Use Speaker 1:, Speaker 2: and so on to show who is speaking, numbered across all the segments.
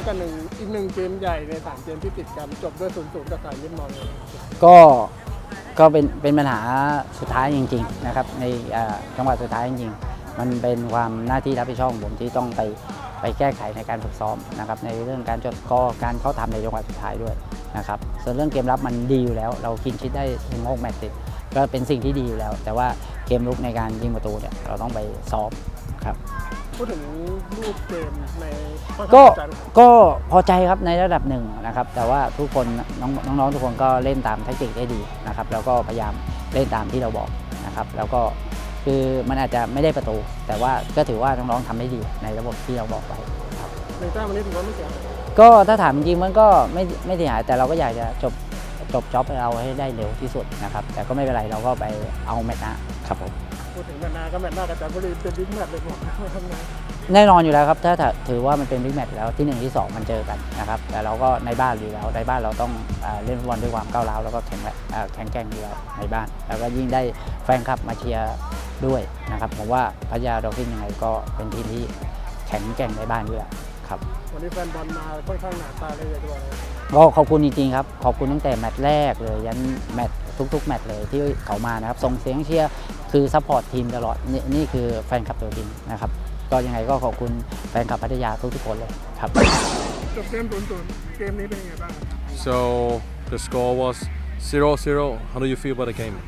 Speaker 1: กับอีกหนึ่งเกมใหญ่ใน3เกมที่ติดกันจบด้วย0-0กับสายมิตรมองเลย
Speaker 2: ก็เป็นปัญหาสุดท้ายจริงๆนะครับในจังหวะสุดท้ายจริงๆมันเป็นความหน้าที่รับผิดชอบของผมที่ต้องไปแก้ไขในการฝึกซ้อมนะครับในเรื่องการจดกอการเข้าทำในจังหวะสุดท้ายด้วยนะครับส่วนเรื่องเกมรับมันดีอยู่แล้วเราคินชิดได้ถึง6 แมตช์ติดก็เป็นสิ่งที่ดีอยู่แล้วแต่ว่าเกมลุกในการยิงประตูเนี่ยเราต้องไปซ้อมครับ
Speaker 1: พูดถึงรูปเกมใน
Speaker 2: ก็พอใจครับในระดับหนึ่งนะครับแต่ว่าทุกคนน้องๆทุกคนก็เล่นตามแทคติกได้ดีนะครับแล้วก็พยายามเล่นตามที่เราบอกนะครับแล้วก็คือมันอาจจะไม่ได้ประตูแต่ว่าก็ถือว่าน้องๆทำได้ดีในระบบที่เราบอกไว้ครับ
Speaker 1: ในแต้มวันนี้ถือว่าไม่เสีย
Speaker 2: ก็ถ้าถามจริงมันก็ไม่เสียหายแต่เราก็อยากจะจบจ็อบเราให้ได้เร็วที่สุดนะครับแต่ก็ไม่เป็นไรเราก็ไปเอาแมตช์หน้าครับผม
Speaker 1: พูดถึงแมตช์หน้าก็แมตช์หน้ากับจันทบุรีเป็นบิ๊กแมตช์เลยผมทำไง
Speaker 2: แน่นอนอยู่แล้วครับถ้าถือว่ามันเป็นบิ๊กแมตช์แล้วที่1ที่2มันเจอกันนะครับแต่เราก็ในบ้านอยู่แล้วในบ้านเราต้องเล่นฟุตบอลด้วยความก้าวร้าวแล้วก็แข็งแกร่งอยู่แล้วในบ้านแล้วก็ยิ่งได้แฟนคลับมาเชียร์ด้วยนะครับผมว่าพัทยาดอลฟินยังไงก็เป็นทีมที่แข็งแกร่งในบ้านด้วยครับ
Speaker 1: วันนี้แฟนบอลมาค่อนข้างหนาตาเลยด้วย
Speaker 2: ก็ขอบคุณจริงๆครับขอบคุณตั้งแต่แมตช์แรกเลยยันแมตช์ทุกๆแมตช์เลยที่เขามานะครับส่งเสียงเชียร์คือซัพพอร์ตทีมตลอดนี่คือแฟนคลับตัวจริงนะครับก็ยังไงก็ขอบคุณแฟนคลับพัทยาทุกคนเลยครับ
Speaker 1: จบเกม0-0เกมนี้เป็นยังไงบ้าง
Speaker 3: So the score was 0-0. How do you feel about the game?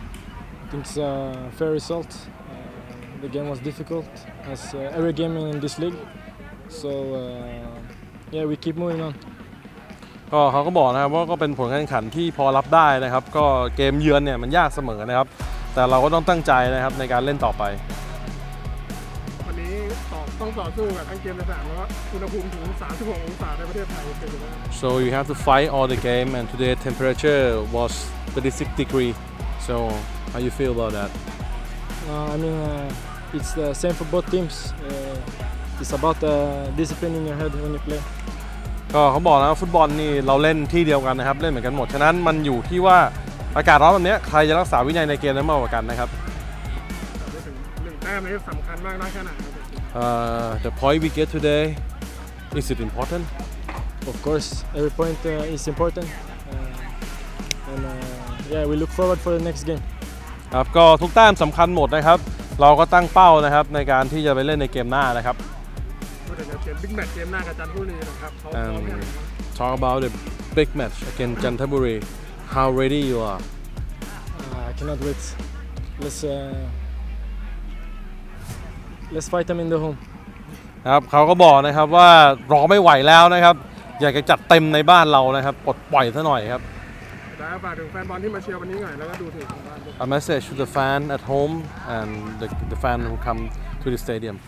Speaker 4: I think it's a fair result. The game was difficult as every game in this league. So yeah, we keep moving on.
Speaker 3: ก็เขาก็บอกนะครับว่าก็เป็นผลการแข่งขันที่พอรับได้นะครับก็เกมเยือนเนี่ยมันยากเสมอนะครับแต่เราก็ต้องตั้งใจนะครับในการเล่นต่อไป
Speaker 1: วันนี้ต้องต่อสู้กับทั้งเกมในสนามแล้วอุณหภูมิถึง36 องศาในประเทศไทยเป็นยังไง
Speaker 3: So you have to fight all the game and today temperature was 36 degree. So how you feel about that?
Speaker 4: I mean, it's the same for both teams. It's about discipline in your head when you play.
Speaker 3: ก็เขาบอกนะฟุตบอลนี่เราเล่นที่เดียวกันนะครับเล่นเหมือนกันหมดฉะนั้นมันอยู่ที่ว่าอากาศร้อนแบบนี้ใครจะรักษาวินัยในเกมนั้นมากกว่ากันนะครับ
Speaker 1: ถึง1 แต้มนี้สำคัญมากน้อยแค่ไหน
Speaker 3: The point we get today is it important?
Speaker 4: Of course, every point is important, and yeah, we look forward for the next game.
Speaker 3: ครับก็ทุกแต้มสำคัญหมดนะครับเราก็ตั้งเป้านะครับในการที่จะไปเล่นในเกมหน้านะครับ
Speaker 1: พูดถึงเกมบิ๊กแมตช์เกมหน้ากับจันทบุรีนะครับเขาพร้อมยัง
Speaker 3: Talk about the big match against Chantaburi. How ready you are?
Speaker 4: I cannot wait. Let's fight them in the home.
Speaker 3: ครับเขาก็บอกนะครับว่ารอไม่ไหวแล้วนะครับอยากจะจัดเต็มในบ้านเรานะครับปลดปล่อยซะหน่อยครับ
Speaker 1: แล้วฝากถึงแฟนบอลที่มาเชียร์วันนี้หน่อยแล้วก็ดูถึงบ้าน
Speaker 3: A message to the fan at home and the fan who come to the stadium.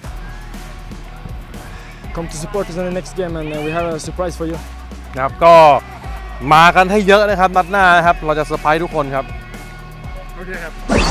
Speaker 4: Come to support us in the next game, and we have a surprise for you.
Speaker 3: นะครับก็มากันให้เยอะนะครับนัดหน้านะครับเราจะเซอร์ไพรส์ทุกคนครับ
Speaker 1: โอเคครับ